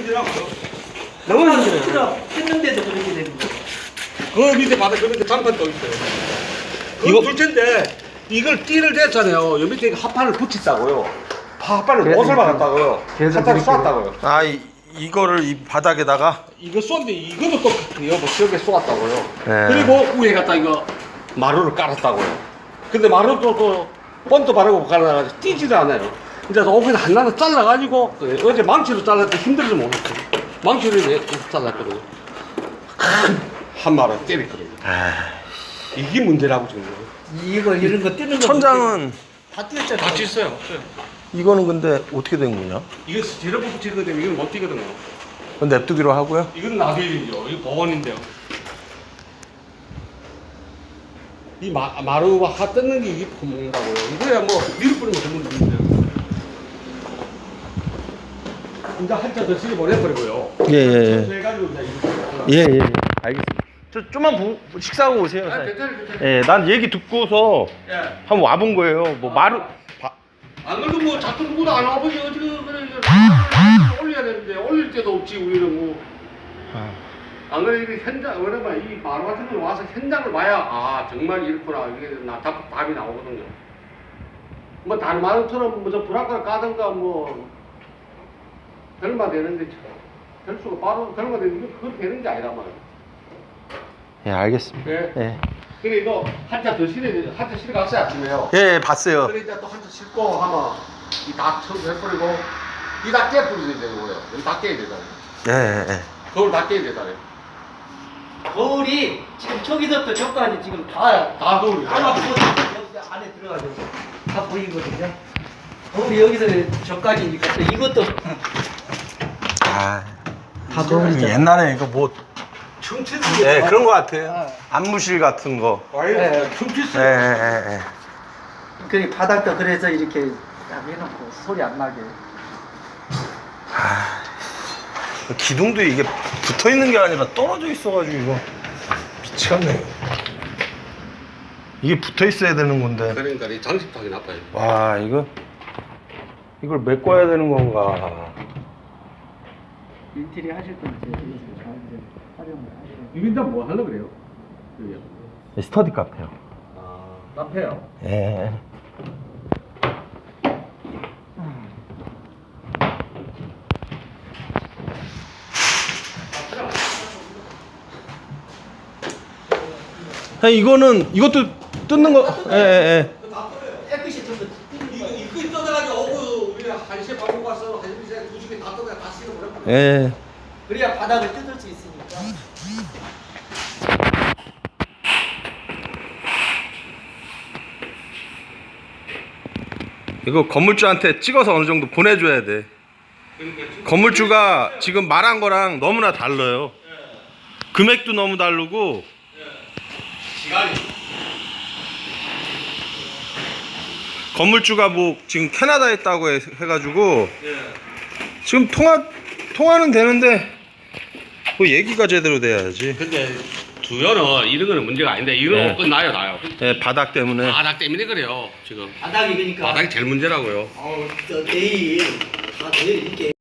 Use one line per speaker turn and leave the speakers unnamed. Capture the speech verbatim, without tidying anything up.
힘들더라고요.
너무 힘들어요. 했는데도 그렇게 되는 거예요.
그 밑에 바닥 그 밑에 장판 떠 있어요.
이거-
이거 둘째인데 이걸 띠를 댔잖아요. 여 밑에 합판을 붙였다고요. 합판을 못을 박았다고요. 합판을 쏘았다고요.
아 이, 이거를 이 바닥에다가
이거 쏘는데 이것도 똑같아요. 뭐 지역에 쏘았다고요.
네.
그리고 위에 갖다 이거 마루를 깔았다고요. 근데 마루도 또 번도 바르고 깔아가지고 띄지도 않아요. 이제 오펜 하나는 잘라가지고 그 어제 망치로 잘랐는데 힘들어서 못했어요. 망치로 이렇게 잘랐거든요. 한 마리 때렸거든요.
아,
이게 문제라고 지금.
이거 이런 거 뜨는 거
천장은
다 뛰었잖아요.
다 찢어요. 없어요.
이거는 근데 어떻게 된 거냐?
이거 재료 붙이거든요. 이건 못 뛰거든요.
그건 냅두기로 하고요.
이건 놔둬야 되죠. 이거 보건인데요. 이 마, 마루가 하 뜯는 게 이게 구멍이라고요. 이거야 뭐 밀을 뿌리면 전부 됩니다. 이제 한자 더 쓰게 보내버리고요.
예예예.
해가지고 이제 이거.
예예. 알겠습니다. 저 좀만 보, 식사하고 오세요.
아, 괜찮아요, 괜찮아요.
예, 난 얘기 듣고서
예.
한번 와본 거예요. 뭐 마루 바,
안 그래도 뭐 자꾸 누구도 안 와보지 어떻게 그래 이거 올려야 되는데 올릴 데도 없지 우리는 뭐. 안 그래 이게 현장 그러면 이 마루 같은 걸 와서 현장을 봐야 아 정말 이렇구나 이게 나 답, 답이 나오거든요. 뭐 다른 마루처럼 뭐저 브라카를 까든가 뭐 결마 되는데 될 수가 바로 결마 되는 게 그렇게 되는 게 아니란 말이에요.
예, 알겠습니다.
예.
예.
그래 이거 한자 더 실어 한자 실어 갔어요 아침에요.
예, 예, 봤어요.
그래 이제 또 한자 싣고 하면 이다 해버리고 이다 깨버리야 되는 거예요. 여기 다 깨야 되잖아요.
예, 예, 예.
거울 다 깨야 되잖아요.
거울이 지금 저기서부터 저까지 지금 다
다 거울이에요.
하나 보고 여기 안에 들어가죠. 다 보이거든요. 거울이 여기서 저까지니까 또 이것도
아,
다 거울이죠.
옛날에 이거 뭐
춤추는
예, 그런 거 같아요. 안무실 같은 거.
와요. 춤추스.
예, 예, 예.
그 바닥도 그래서 이렇게 딱 해놓고 소리 안 나게.
아, 기둥도 이게 붙어 있는 게 아니라 떨어져 있어가지고 이거 미치겠네. 이게 붙어 있어야 되는 건데.
그러니까 이 장식하기 나빠요.
와, 이거 이걸 메꿔야 되는 건가?
인테리어 하실 건데 활용을 하시는.
이게 다 뭐 하려고 그래요? 여기요.
스터디 카페요.
아, 카페요.
예. 이거는 이것도 뜯는 거. 예, 예, 예.
깨끗이 좀 더.
이거 이거 떠나가지고 오고 우리 한 시에 밥 먹고 와서 한 시에 두 시에 다 떠나 다 씻어 버려.
예.
그래야 바닥을 뜯을 수 있으니까.
이거 건물주한테 찍어서 어느 정도 보내줘야 돼. 건물주가 지금 말한 거랑 너무나 달라요. 금액도 너무 다르고.
시간이.
건물주가 뭐 지금 캐나다에 있다고 해, 해가지고
예.
지금 통화 통화는 되는데 뭐 얘기가 제대로 돼야지.
근데 두연은 이런 거는 문제가 아닌데 이런
네.
거 끝나요 나요.
예, 바닥 때문에.
바닥 때문에 그래요 지금.
바닥이 그러니까.
바닥이 제일 문제라고요.
어, 저 내일 아 내일 이렇게.